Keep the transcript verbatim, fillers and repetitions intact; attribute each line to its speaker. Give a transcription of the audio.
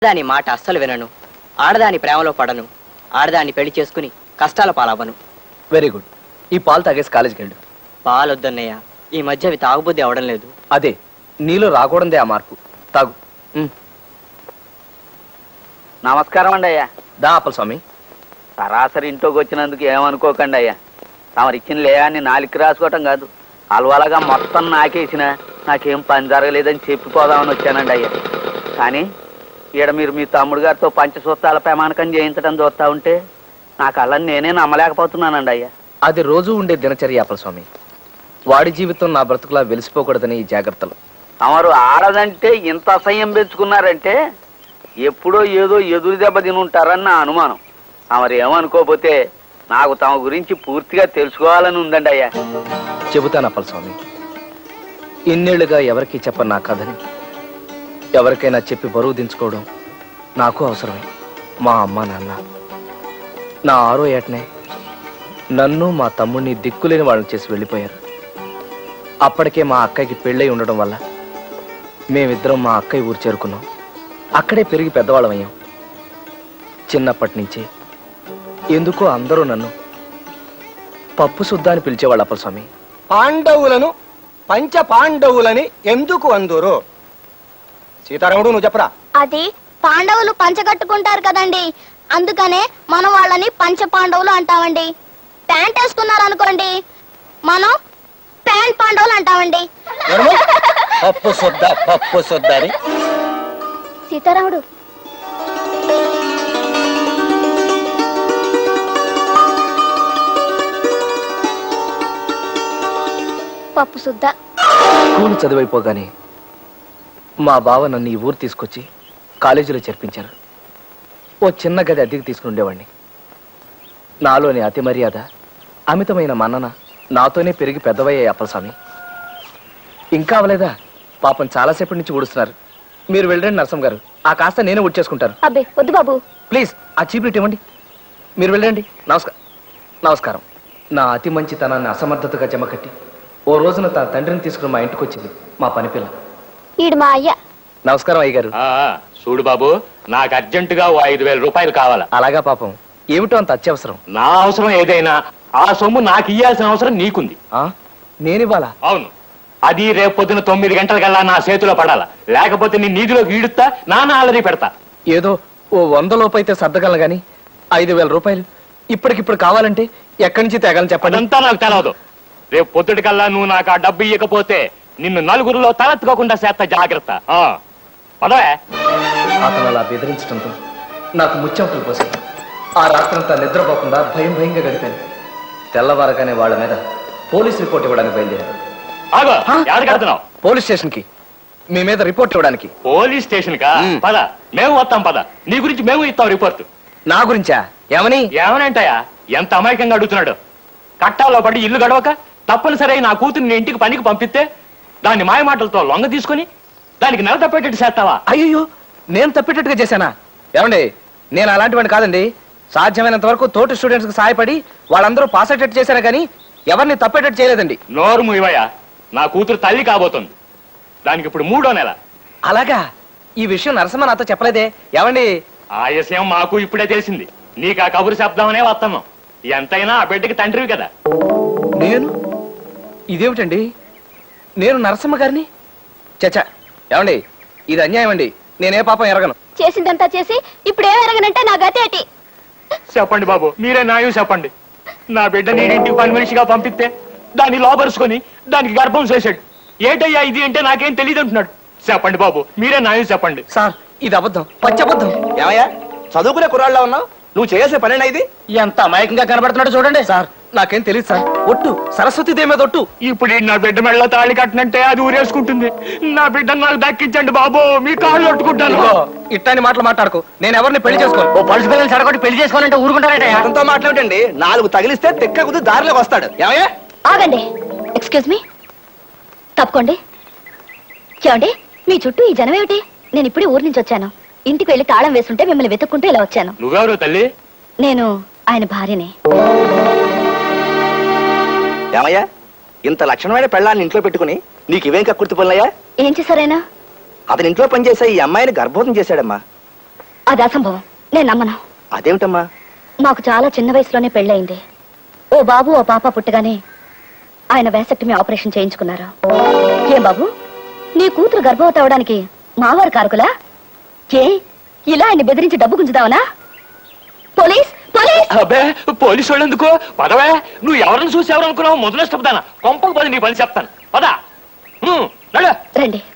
Speaker 1: దాని మాట అస్సలు వినను, ఆడదాని ప్రేమలో పడను, ఆడదాన్ని పెళ్లి చేసుకుని కష్టాల పాలవ్వను.
Speaker 2: Very good. ఈ పాలు తాగేసి కాలేజీకి వెళ్ళు.
Speaker 1: పాలొద్దన్నయ్య, ఈ మధ్య అవి తాగుబుద్ధి అవడం లేదు.
Speaker 2: అదే నీలో రాకూడదే ఆ మార్పు. తాగు.
Speaker 3: నమస్కారం అండి అయ్యా.
Speaker 2: దా అప్పల స్వామి.
Speaker 3: సరాసరి ఇంట్లోకి వచ్చినందుకు ఏమనుకోకండి అయ్యా. తమరు ఇచ్చిన లేయాన్ని నాలుగు రాసుకోవటం కాదు, అలవాలగా మొత్తం నాకేసిన నాకేం పని జరగలేదని చెప్పిపోదామని వచ్చానండి అయ్యా. కానీ ఈడ మీరు మీ తమ్ముడు గారితో పంచసూత్రాల ప్రమాణకం చేయించడం చూస్తా ఉంటే నాకు అలా నేనే నమ్మలేకపోతున్నానండి అయ్యా.
Speaker 2: అది రోజు ఉండే దినచర్య అప్పల స్వామి. వాడి జీవితం నా బ్రతుకులా వెలిసిపోకూడదని ఈ జాగ్రత్తలు.
Speaker 3: తమరు ఆడదంటే ఇంత అసహ్యం పెంచుకున్నారంటే ఎప్పుడో ఏదో ఎదురు దెబ్బ తినుంటారని నా అనుమానం. తమరు ఏమనుకోకపోతే నాకు తమ గురించి పూర్తిగా తెలుసుకోవాలని ఉందండి అయ్యా.
Speaker 2: చెబుతాను అప్పల స్వామి. ఇన్నేళ్లుగా ఎవరికి చెప్పను నా కథని ఎవరికైనా చెప్పి బరువు దించుకోవడం నాకు అవసరమే. మా అమ్మ నాన్న నా ఆరో ఏటనే నన్ను మా తమ్ముడిని దిక్కులేని వాళ్ళని చేసి వెళ్ళిపోయారు. అప్పటికే మా అక్కయ్యకి పెళ్ళై ఉండడం వల్ల మేమిద్దరం మా అక్కయ్య ఊరు చేరుకున్నాం. అక్కడే పెరిగి పెద్దవాళ్ళం అయ్యాం. చిన్నప్పటి నుంచి ఎందుకో అందరూ నన్ను పప్పు శుద్ధ అని పిలిచేవాళ్ళు అప్పల స్వామి.
Speaker 4: పాండవులను పంచ పాండవులని ఎందుకు అందురు? సీతారాముడు నువ్వు చెప్పరా.
Speaker 5: అది పాండవులు పంచగట్టుకుంటారు కదండి, అందుకనే మనం వాళ్ళని పంచ పాండవులు అంటామండి. ప్యాంట్ వేసుకున్నారు అనుకోండి, మనం ప్యాంట్ పాండవులు అంటామండి.
Speaker 4: పప్పు శుద్ధ పప్పు శుద్ధ అని.
Speaker 5: సీతారాముడు పప్పు శుద్ధ.
Speaker 2: స్కూల్ చదివైపోగానే మా బావ నన్ను ఈ ఊరు తీసుకొచ్చి కాలేజీలో చేర్పించారు. ఓ చిన్న గది అద్దెకి తీసుకుని ఉండేవాడిని. నాలోని అతి మర్యాద, అమితమైన మన్నన నాతోనే పెరిగి పెద్దవయ్యాయి అప్పల స్వామి. ఇంకా అవలేదా? పాపం చాలాసేపటి నుంచి ఊడుస్తున్నారు. మీరు వెళ్ళండి నరసం గారు, ఆ కాస్త నేనే ఊడ్చేసుకుంటారు.
Speaker 5: అబ్బే వద్దు బాబు,
Speaker 2: ప్లీజ్ ఆ చీప్లిట్ ఇవ్వండి. మీరు వెళ్ళండి. నమస్కారం. నమస్కారం. నా అతి మంచితనాన్ని అసమర్థతగా జమకట్టి ఓ రోజున తన తండ్రిని తీసుకుని మా ఇంటికి వచ్చింది మా పనిపిల్ల.
Speaker 5: ఈడు మా అయ్య.
Speaker 2: నమస్కారం అయ్య గారు.
Speaker 6: చూడు బాబు, నాకు అర్జెంటుగా ఓ ఐదు వేల రూపాయలు కావాలా.
Speaker 2: అలాగా పాపం, ఏమిటో అంత అత్యవసరం?
Speaker 6: నా అవసరం ఏదైనా ఆ సొమ్ము నాకు ఇయ్యాల్సిన అవసరం నీకుంది.
Speaker 2: నేనివ్వాలా?
Speaker 6: అవును. అది రేపు పొద్దున తొమ్మిది గంటలకల్లా నా చేతిలో పడాలా, లేకపోతే నీ నీటిలోకి ఈడుతా నాన్న ఆలరీ పెడతా.
Speaker 2: ఏదో ఓ వంద లోపు అయితే సర్దగలను గాని ఐదు వేల రూపాయలు ఇప్పటికిప్పుడు కావాలంటే ఎక్కడి నుంచి తేగలను చెప్పండి.
Speaker 6: అదంతా నాకు తెలవదు. రేపు పొద్దుటికల్లా నువ్వు నాకు ఆ డబ్బు ఇవ్వకపోతే నిన్ను నలుగురిలో తలెత్తుకోకుండా చేస్తా, జాగ్రత్త. పదవే.
Speaker 2: అతను అలా బెదిరించడంతో నాకు ముచ్చెమటలు పోసాయి. ఆ రాత్రంతా నిద్రపోకుండా భయం భయంగా గడిపాను. తెల్లవారగానే వాళ్ళ మీద పోలీస్ రిపోర్ట్ ఇవ్వడానికి బయలుదేరాను.
Speaker 6: ఆగో, ఎక్కడికెళ్తున్నావు?
Speaker 2: పోలీస్ స్టేషన్ కి మీ మీద రిపోర్ట్ ఇవ్వడానికి.
Speaker 6: పోలీస్ స్టేషన్ కా? పద, మేము వస్తాం. పద, నీ గురించి మేము ఇస్తాం రిపోర్ట్.
Speaker 2: నా గురించా? ఏమని?
Speaker 6: ఏమనంటాయా? ఎంత అమాయకంగా అడుగుతున్నాడు. కట్టాలో పడి ఇల్లు గడవక తప్పనిసరి నా కూతుర్ని ఇంటికి పనికి పంపిస్తే దాన్ని మాయ మాటలతో లొంగ తీసుకుని దానికి నెల తప్పేటట్టు చేస్తావా?
Speaker 2: అయ్యో, నేను తప్పేటట్టుగా చేశానా? ఏమండి, నేను అలాంటి వాడిని కాదండి. సాధ్యమైనంత వరకు తోటి స్టూడెంట్స్ కి సహాయపడి వాళ్ళందరూ పాస్ అయ్యేటట్టు చేశాను కానీ ఎవరిని తప్పేటట్టు చేయలేదండి.
Speaker 6: నోరు మూయవయ్యా. నా కూతురు తల్లి కాబోతుంది. దానికి ఇప్పుడు మూడో నెల.
Speaker 2: అలాగా? ఈ విషయం నరసింహ నాతో చెప్పలేదే. ఏమండి?
Speaker 6: ఆ విషయం మాకు ఇప్పుడే తెలిసింది. నీకు ఆ కబురు శబ్దమనే వస్తున్నాం. ఎంతైనా ఆ బిడ్డకి తండ్రివి కదా.
Speaker 2: నేను? ఇదేమిటండి, నేను నరసింహ గారిని? చచ్చా, ఏమండి, ఇది అన్యాయం అండి. నేనే పాపం ఎరగను.
Speaker 5: చేసిందంతా చేసి ఇప్పుడు ఏం ఎరగనంటే నా గతి ఏంటి?
Speaker 6: చెప్పండి బాబు, మీరే న్యాయం చెప్పండి. నా బిడ్డ నేను ఇంటికి పని మనిషిగా పంపిస్తే దాన్ని లోపరుచుకొని దానికి గర్భం చేశాడు. ఏటయ్యా ఇది అంటే నాకేం తెలియదు అంటున్నాడు. చెప్పండి బాబు, మీరే న్యాయం చెప్పండి.
Speaker 2: సార్, ఇది అబద్ధం, పచ్చబద్ధం.
Speaker 4: ఏమయ్యా, చదువుకునే కుర్రాళ్ళ ఉన్నావు? నువ్వు చేసే పనేనా ఇది?
Speaker 2: ఎంత అమాయకంగా కనబడుతున్నాడు చూడండి. సార్, నాకేం తెలియదు సార్. ఒట్టు, సరస్వతి దేవి మీద ఒట్టు.
Speaker 6: ఇప్పుడు నా బిడ్డ మెళ్ళ తాళి కట్టనంటే అది ఊరేసుకుంటుంది. నా బిడ్డను నాకు దక్కించండి బాబు, మీ కాళ్ళు పట్టుకుంటాను.
Speaker 2: ఇట్లాంటి మాటలు మాట్లాడుకో. నేను ఎవరిని పెళ్లి చేసుకోను.
Speaker 3: ఓ పలుసు పిల్లలు చెడగొట్టి పెళ్లి చేసుకోవాలంటే ఊరుకుంటారట.
Speaker 4: అతనితో మాట్లాడండి, నాలుగు తగిలిస్తే తెక్క కుది దారిలోకి వస్తాడు. ఏమయ్యా?
Speaker 5: ఆగండి. ఎక్స్క్యూజ్ మీ, తప్పుకోండి. చూడండి, మీ చుట్టూ ఈ జనం ఏమిటి? నేను ఇప్పుడే ఊరి నుంచి వచ్చాను. ఇంటికి వెళ్ళి తాళం వేస్తుంటే మిమ్మల్ని వెతుక్కుంటూ ఇలా వచ్చాను.
Speaker 6: నువ్వెవరు తల్లి?
Speaker 5: నేను ఆయన భార్యనే.
Speaker 4: ఏమయ్యా, ఇంత లక్షణమైన పెళ్ళాన్ని ఇంట్లో పెట్టుకుని నీకు ఇవేం కక్కుర్తి పనులయ్యా?
Speaker 5: ఏం చేశారైనా?
Speaker 4: అతని ఇంట్లో పనిచేసే ఈ అమ్మాయిని గర్భవతం చేశాడమ్మా.
Speaker 5: అది అసంభవం, నేను నమ్మను.
Speaker 4: అదేమిటమ్మా?
Speaker 5: మాకు చాలా చిన్న వయసులోనే పెళ్ళయింది. ఓ బాబు ఓ పాప పుట్టగానే ఆయన వేసక్టమీ ఆపరేషన్ చేయించుకున్నారు. ఏం బాబు, నీ కూతురు గర్భవతి అవడానికి మావారు కారకులా? ఏ ఇలా ఆయన బెదిరించి డబ్బు గుంజుదావనా? Police police!
Speaker 6: అబ్బే పోలీసు వాళ్ళు ఎందుకు? పదవే, నువ్వు ఎవరిని చూసి ఎవరు అనుకున్నావు? మొదలు ఇష్టపదానా కొంపకు పది నీ పని చెప్తాను. పదా
Speaker 5: రండి.